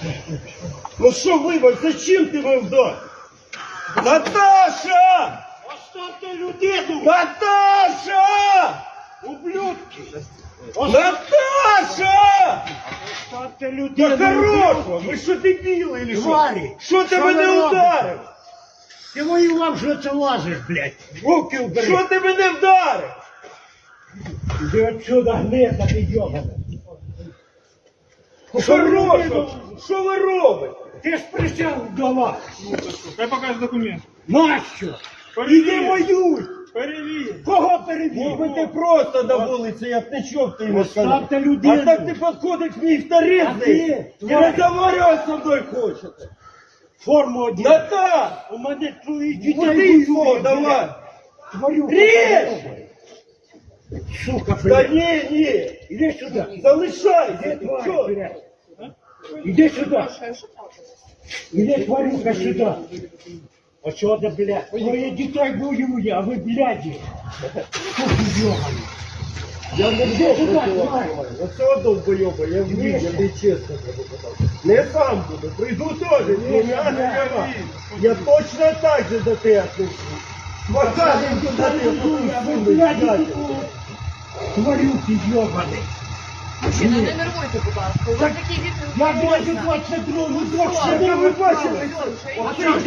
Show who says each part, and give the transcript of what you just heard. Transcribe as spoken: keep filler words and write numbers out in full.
Speaker 1: Ну що, вибач, зачем ти мене вдарив? Наташа!
Speaker 2: Оставьте людину!
Speaker 1: Наташа!
Speaker 2: Ублюдки!
Speaker 1: Наташа!
Speaker 2: Оставьте людину!
Speaker 1: Да хорошо! Ви що, дебіли или що?
Speaker 2: Тварі!
Speaker 1: Що ти
Speaker 2: Що
Speaker 1: мене
Speaker 2: ви робите?
Speaker 1: ударив?
Speaker 2: Ти воював, що це лазиш, блядь! Руки убери!
Speaker 1: Що ти мене вдарив?
Speaker 2: Іди отсюда, гнида, ти йобана!
Speaker 1: Хорошо! Що ви робите?
Speaker 2: Ти ж присяг вдова!
Speaker 3: Хай покаже документ.
Speaker 2: Нащо?
Speaker 1: Іди воюй!
Speaker 3: Перевір.
Speaker 2: Кого перевів?
Speaker 1: Якби ти просто на вулиці, я б нічого б ти не сказав.
Speaker 2: Оставте людину!
Speaker 1: А так ти підходиш мені
Speaker 2: А
Speaker 1: вторизний
Speaker 2: ти?
Speaker 1: і розговорювати зі мною хочете.
Speaker 2: Форму одягни!
Speaker 1: Наташ!
Speaker 2: У мене твої
Speaker 1: Іди
Speaker 2: дітей
Speaker 1: його,
Speaker 2: воюють,
Speaker 1: давай!
Speaker 2: блядь. Твою
Speaker 1: Ріж!
Speaker 2: Сука,
Speaker 1: Та
Speaker 2: блядь!
Speaker 1: ні, ні!
Speaker 2: Іди сюди!
Speaker 1: Залишайся!
Speaker 2: Іди,
Speaker 1: Ти
Speaker 2: тварь,
Speaker 1: чого?
Speaker 2: блядь! Іди сюди! Іди, тварюка, сюди! Отсюда, блядь! Твоє дітей воює, а ви, бляді! Сука, йобані!
Speaker 1: Я не
Speaker 2: Іди
Speaker 1: буду
Speaker 2: сюди,
Speaker 1: працювати.
Speaker 2: тварь!
Speaker 1: Оце долбойоба, я вмію, я тобі чесно кажу. Не сам буду, прийду теж, ні, я не кажу. Я точно так же до тебе отнесу. Покажем, куди ти
Speaker 2: А ви,
Speaker 1: буду
Speaker 2: бляді,
Speaker 1: сидіти.
Speaker 2: тварюки, йобані!
Speaker 4: Мужчина, не нервуйте, будь ласка. У вас такий відповідь
Speaker 2: Я
Speaker 4: не
Speaker 2: двадцять
Speaker 4: можна.
Speaker 2: двадцять другу
Speaker 1: Що ви бачили?
Speaker 4: Слушай,
Speaker 2: Оце